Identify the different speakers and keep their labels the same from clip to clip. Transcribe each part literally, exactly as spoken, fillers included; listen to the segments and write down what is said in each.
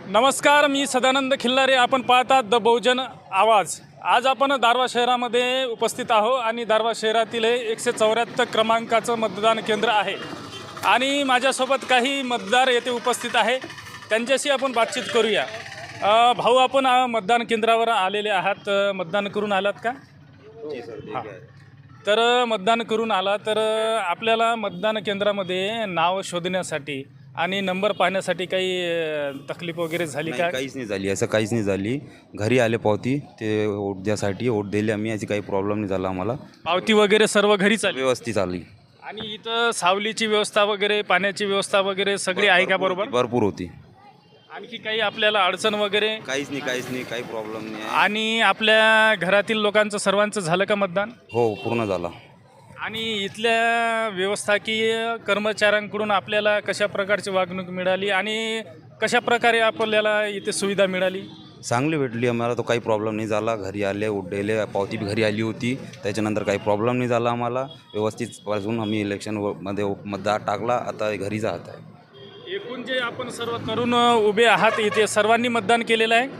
Speaker 1: नमस्कार, मी सदानंद खिल्लारे. आपण पाहतात द बहुजन आवाज. आज आपण दारवा शहरामध्ये उपस्थित आहो आणि दारवा शहरातील हे एकशे चौऱ्याहत्तर क्रमांकाचं मतदान केंद्र आहे आणि माझ्यासोबत काही मतदार येथे उपस्थित आहे. त्यांच्याशी आपण बातचीत करूया. अ, भाऊ, आपण अ, मतदान केंद्रावर आलेले आहात. अ, मतदान करून आलात का? हां. तर अ, मतदान करून आला तर अ, आपल्याला मतदान केंद्रामध्ये नाव शोधण्यासाठी आणि नंबर पाहण्यासाठी काही अ, तकलीफ वगैरे झाली
Speaker 2: नाही,
Speaker 1: का?
Speaker 2: काहीच नाही झाली, असं काहीच नाही झाली. घरी आले पावती ते वोट द्यासाठी वोट दिले आम्ही, याची काही प्रॉब्लेम नाही झाला आम्हाला.
Speaker 1: पावती वगैरे सर्व घरीच आली
Speaker 2: व्यवस्थित आली.
Speaker 1: आणि इथं सावलीची व्यवस्था वगैरे, पाण्याची व्यवस्था वगैरे सगळी आहे का? बरोबर.
Speaker 2: भरपूर होती.
Speaker 1: आणखी काही आपल्याला अडचण वगैरे?
Speaker 2: काहीच नाही, काहीच नाही, काही प्रॉब्लेम नाही आहे.
Speaker 1: आणि आपल्या घरातील लोकांचं सर्वांचं झालं का मतदान?
Speaker 2: हो, पूर्ण झाला.
Speaker 1: आणि इथल्या व्यवस्थाकीय कर्मचाऱ्यांकडून आपल्याला कशा प्रकारची वागणूक मिळाली आणि कशा प्रकारे आपल्याला इथे सुविधा मिळाली?
Speaker 2: चांगली भेटली आम्हाला, तो काही प्रॉब्लेम नाही झाला. घरी आले, वोट दिले, पावती बी घरी आली होती. त्याच्यानंतर काही प्रॉब्लेम नाही झाला आम्हाला. व्यवस्थित पासून आम्ही इलेक्शनमध्ये मतदार टाकला. आता घरी जात आहे.
Speaker 1: एकूण जे आपण सर्व तरुण उभे आहात इथे, सर्वांनी मतदान केलेलं आहे?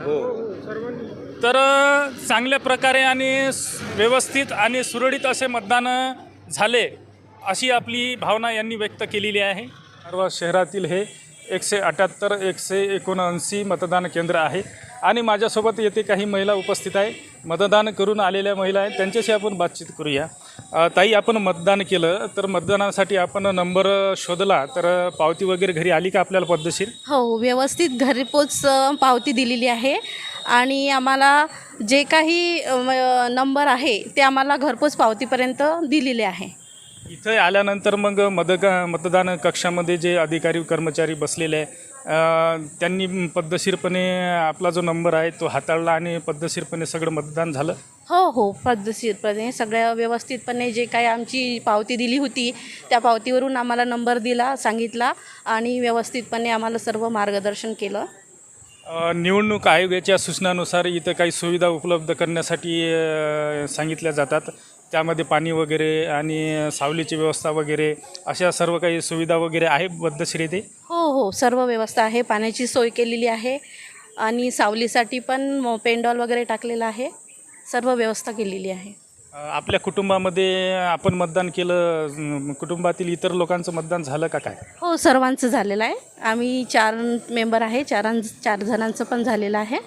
Speaker 2: हो.
Speaker 1: तर अ, चांगल्या प्रकारे आणि स- व्यवस्थित आणि सुरळीत असे मतदान झाले अशी आपली भावना यांनी व्यक्त केलेली आहे. सर्व शहरातील हे एकशे अठ्याहत्तर एकशे एकोणऐंशी मतदान केंद्र आहे आणि माझ्यासोबत येथे काही महिला उपस्थित आहे. मतदान करून आलेल्या महिला आहेत, त्यांच्याशी आपण बातचीत करूया. अ, ताई, आपण मतदान केलं तर मतदानासाठी आपण नंबर शोधला तर पावती वगैरे घरी आली का आपल्याला पद्धतशीर?
Speaker 3: हो, व्यवस्थित घरपोच अ, पावती दिलेली आहे आणि आम्हाला जे काही अ, म- नंबर आहे ते आम्हाला घरपोच पावतीपर्यंत दिलेले आहे.
Speaker 1: इथं आल्यानंतर मग मतदा मतदान कक्षामध्ये जे अधिकारी कर्मचारी बसलेले आहे, अ, त्यांनी पद्धतशीरपणे आपला जो नंबर आहे तो हाताळला आणि पद्धतशीरपणे सगळं मतदान झालं?
Speaker 3: हो हो पद्धतशीरपणे सगळ्या व्यवस्थितपणे जे काही आमची पावती दिली होती त्या पावतीवरून आम्हाला नंबर दिला, सांगितला आणि व्यवस्थितपणे आम्हाला सर्व मार्गदर्शन केलं.
Speaker 1: अ, निवडणूक आयोगाच्या सूचनानुसार इथं काही सुविधा उपलब्ध करण्यासाठी अ, सांगितल्या जातात. त्यामध्ये पाणी वगैरे आणि सावलीची व्यवस्था वगैरे अशा सर्व काही सुविधा वगैरे आहे पद्धतशीर इथे?
Speaker 3: हो हो सर्व व्यवस्था आहे. पाण्याची सोय केलेली आहे आणि सावलीसाठी पण पेंडॉल वगैरे टाकलेला आहे. सर्व व्यवस्था केलेली आहे.
Speaker 1: अ, आपल्या कुटुंबामध्ये आपण मतदान केलं, अं, कुटुंबातील इतर लोकांचं मतदान झालं का काय?
Speaker 3: हो, सर्वांचं झालेलं आहे. आम्ही चार मेंबर आहे, चारां चार जणांचं पण झालेलं आहे.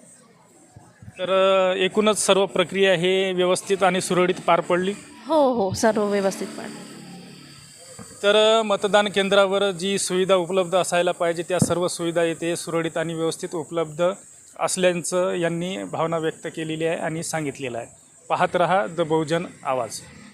Speaker 1: तर अ, एकूणच सर्व प्रक्रिया हे व्यवस्थित आणि सुरळीत पार पडली.
Speaker 3: हो हो सर्व व्यवस्थित पण.
Speaker 1: तर अ, मतदान केंद्रावर जी सुविधा उपलब्ध असायला पाहिजे त्या सर्व सुविधा येथे सुरळीत आणि व्यवस्थित उपलब्ध असल्याचं यांनी भावना व्यक्त केलेली आहे आणि सांगितलेलं आहे. पाहत रहा द बहुजन आवाज.